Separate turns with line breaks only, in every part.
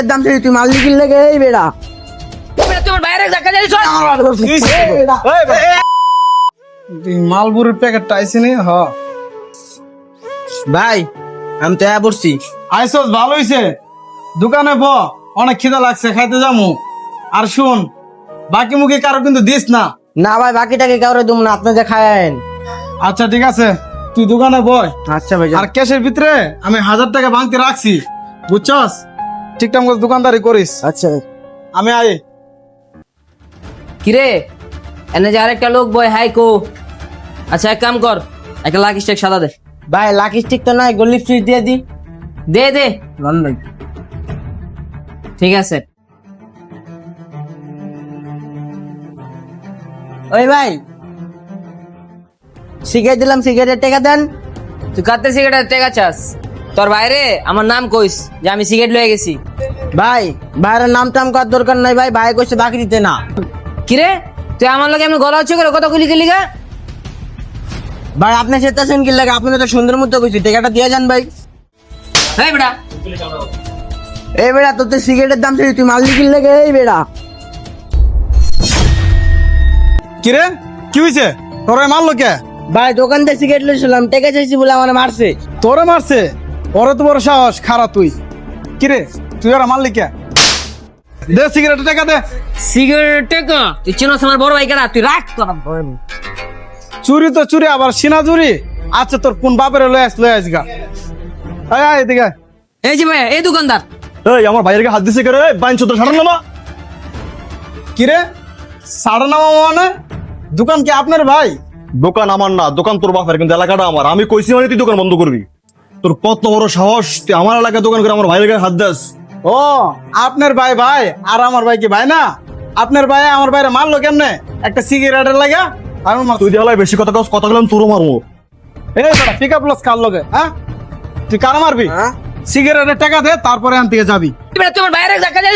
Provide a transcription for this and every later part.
দাম চাই তুই মাল লিখিল লাগে এই বেড়া
তোমার বাইরে দেখা যাই
মালবুরের প্যাকেটটা আইসি নি হ
ভাই আমি তো পড়ছি
আইসস ভালো হইছে দোকানে ব অনেক খিদা লাগছে খাইতে যামু আর শুন বাকি মুখে কারো কিন্তু দিস না।
না ভাই বাকিটাকে কাউরে দুম না আপনি যে খায়েন।
আচ্ছা ঠিক আছে তুই দোকানে বয়।
আচ্ছা ভাই
আর ক্যাশের ভিতরে আমি 1000 টাকা ভাঙতে রাখছি বুঝছস ঠিকঠাক মতো দোকানদারি করিস।
আচ্ছা
আমি আই
কিরে এনে যে আরেকটা লোক বয় হাই কো। আচ্ছা এক কাম কর একটা লাকি স্টেক সাদা দে।
ভাই লাকি স্টিক তো নাই গোল্ড সুইচ দিয়ে দি
দে দে
লন্ডন
ঠিক আছে।
ওই ভাই সিগারেট দিলাম সিগারেটের টাকা দেন।
তুই কাটতে সিগারেট টেকা চাস তোর বাইরে আমার নাম কইস যে আমি সিগারেট লয়ে গেছি।
ভাই বাইরের নাম টাম করার দরকার নাই ভাই ভাই কইছে বাকি দিতে না।
কিরে তুই আমার লগে আমি গলা হচ্ছে করে কত গুলি গেলি গা।
ভাই আপনি চেতাছেন কি লাগে আপনি তো সুন্দর মতো কইছি টাকাটা দিয়ে যান ভাই।
এই বেটা
এই বেড়া তোর তো সিগারেটের দাম চাই তুই মাল লিখিল লাগে এই বেড়া
কিরে কি হইছে তোরে মারলো কে?
ভাই দোকান থেকে সিগারেট লইছিলাম টাকা চাইছি বলে আমার মারছে।
তোরে মারছে? ওরে তো বড় সাহস খারাপ তুই। কিরে তুই ওরা মারলি কে? দে সিগারেটের টাকা দে।
সিগারেট টেকা তুই চিনোস আমার বড় ভাই কেডা তুই রাখ তোর।
চুরি তো চুরি আবার সিনা চুরি। আচ্ছা তোর কোন বাপের লয়ে আস গা। আয় আয় এদিকে আয়।
এই যে ভাই এই দোকানদার
এই আমার ভাইয়ের হাত দিছে করে বাইন চোদ্দ সাড়ে নামা।
কিরে সাড়ে নামা মানে দোকান কি আপনার ভাই?
দোকান আমার না, দোকান তোর বাপের, কিন্তু এলাকাটা আমার। আমি কইছি মানে তুই দোকান বন্ধ করবি। তোর কত বড় সাহস তুই আমার এলাকায় দোকান করে আমার ভাইয়ের গায়ে হাত দাস?
ও আপনার ভাই ভাই আর আমার ভাই কি ভাই না? আপনার ভাই আমার ভাইরে মারলো কেমনে? একটা সিগারেটের লাগা আমার
তুই দেওয়ালাই বেশি কথা কস, কথা গেলাম তোরও মারবো।
এই বেটা পিক আপ লস কার লগে হ্যাঁ? তুই কার মারবি?
হ্যাঁ?
সিগারেটের টাকা দে তারপরে আন থেকে যাবি।
তোমার বাইরে দেখা যাই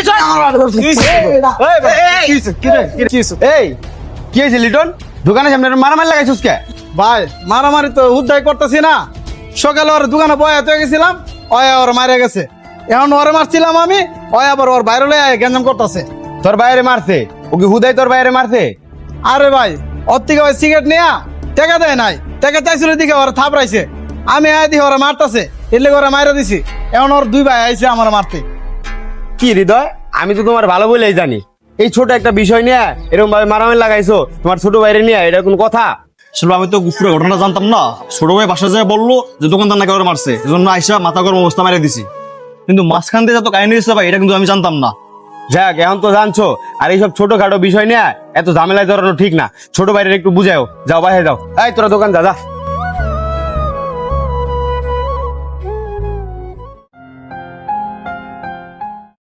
এই কি হয়েছে লিটন? দোকানের সামনে মারামারি লাগাইছিস কে?
ভাই মারামারি তো উদ্ধার করতেছি না। সকালে ওর দোকানে বয়া তো গেছিলাম, ওয়া ওর মারা গেছে। এখন ওরে মারছিলাম আমি, ওয়া আবার ওর বাইরে লয়ে গেঞ্জাম করতেছে।
তোর বাইরে মারছে? ও কি হুদাই তোর বাইরে মারছে?
আরে ভাই ওর থেকে ওই সিগারেট নিয়া টাকা দেয় নাই, টাকা চাইছিল দিকে ওরা থাপড়াইছে। আমি আয় দিই ওরা মারতাছে, এলে ওরা মাইরা দিছি। এখন ওর দুই ভাই আইছে আমার মারতে।
কি হৃদয়, আমি তো তোমার ভালো বলেই জানি। এই ছোট একটা বিষয় নিয়ে এরকম ভাবে মারামারি লাগাইছো তোমার ছোট বাইরে নিয়ে, এটা কোন কথা? আসলে আমি তো পুরো ঘটনা জানতাম না। ছোট ভাই বাসা যায় বললো যে দোকানদার নাকি ওরা মারছে, এজন্য আইসা মাথা গরম অবস্থা মারিয়ে দিছি। কিন্তু মাঝখান দিয়ে যত কাহিনী হয়েছে ভাই, এটা কিন্তু আমি জানতাম না। যাক এখন তো জানছো। আর এইসব ছোটখাটো বিষয় নিয়ে এত ঝামেলায় ধরানো ঠিক না। ছোট বাইরে একটু বুঝাও। যাও বাইরে যাও। এই তোরা দোকান যা যা।